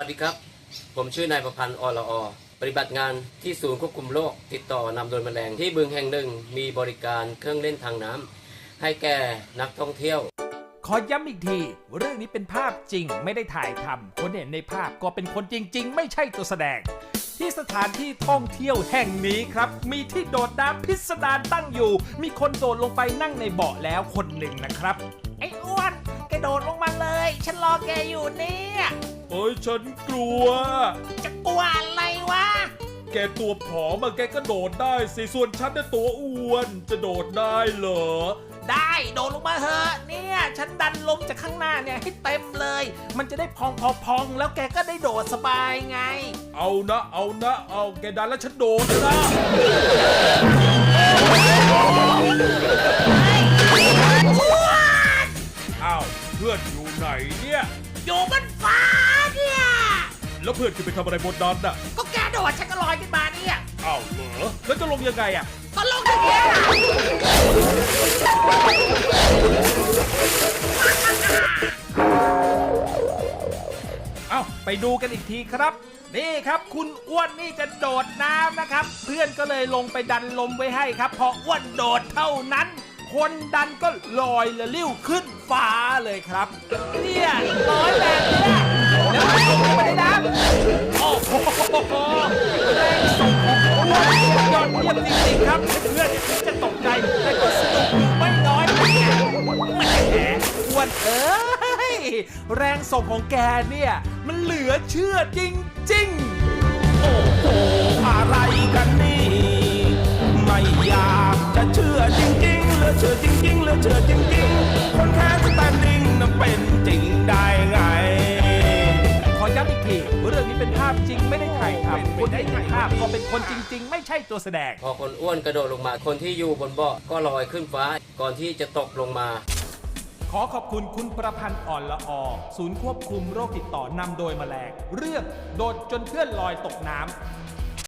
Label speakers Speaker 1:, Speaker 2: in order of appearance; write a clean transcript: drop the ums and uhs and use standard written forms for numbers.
Speaker 1: สวัสดีครับผมชื่อนายประพันธ์อรอปฏิบัติงานที่ศูนย์ควบคุมโรคติดต่อนำโดยแมลงที่บึงแห่งหนึ่งมีบริการเครื่องเล่นทางน้ำให้แก่นักท่องเที่ยว
Speaker 2: ขอย้ำอีกทีเรื่องนี้เป็นภาพจริงไม่ได้ถ่ายทำคนเห็นในภาพก็เป็นคนจริงๆไม่ใช่ตัวแสดงที่สถานที่ท่องเที่ยวแห่งนี้ครับมีที่โดดน้ำพิสดารตั้งอยู่มีคนโดดลงไปนั่งในเบาะแล้วคนหนึ่งนะครับไอ้อ้วนแกโดดลงมาเลยฉันรอแกอยู่เนี่ย
Speaker 3: เอ้ยฉันกลัว
Speaker 2: จะกลัวอะไรวะ
Speaker 3: แกตัวผอมแกก็โดดได้สิส่วนฉันน่ะตัวอ้วนจะโดดได้เหรอ
Speaker 2: ได้โดดลงมาเถอะเนี่ยฉันดันลมจากข้างหน้าเนี่ยให้เต็มเลยมันจะได้พองแล้วแกก็ได้โดดสบายไง
Speaker 3: เอาแกดันแล้วฉันโดดนะอ้าวเพื่อนอยู่ไหนเนี่ย
Speaker 2: อยู่บนฟ้าเนี่ย
Speaker 3: แล้วเพื่อนจะไปทำอะไรบนนั้นน่ะ
Speaker 2: ก็แกโดดฉันก็ลอยขึ้นมาเนี่ย
Speaker 3: อ้าวเหรอแล้วจะลงยังไงอ่ะ
Speaker 2: ก็ลงอย่างเงี้ยเอาไปดูกันอีกทีครับนี่ครับคุณอ้วนนี่จะโดดน้ำนะครับเพื่อนก็เลยลงไปดันลมไว้ให้ครับพออ้วนโดดเท่านั้นคนดันก็ลอยละลิ้วขึ้นฟ้าเลยครับเนี่ยลอยแบบเนี้ยแล้วมันลงไปในน้ำโอ้โหแรงส่งของอ้วนยอดเยี่ยมจริงๆครับเพื่อนถึงจะตกใจแต่ก็สนุกอยู่ไม่น้อยแหมอ้วนแรงส่งของแกเนี่ยมันเหลือเชื่อจริงๆ
Speaker 4: โอ้โหอะไรกันนี่ไม่อยากจะเชื่อจริงๆเหลือเชื่อจริงๆเหลือเชื่อจริงๆคนแค่สแตนดิ้งนั้นเป็นจริงได้ไง
Speaker 2: ขอย้ำอีกทีเรื่องนี้เป็นภาพจริงไม่ได้ถ่ายทำคนที่ถ่ายภาพก็เป็นคนจริงๆไม่ใช่ตัวแสดง
Speaker 1: พอคนอ้วนกระโดดลงมาคนที่อยู่บนเบาะก็ลอยขึ้นฟ้าก่อนที่จะตกลงมา
Speaker 2: ขอขอบคุณคุณประพันธ์อ่อนละอศูนย์ควบคุมโรคติดต่อนำโดยแมลงเรื่องโดดจนเพื่อนลอยตกน้ำ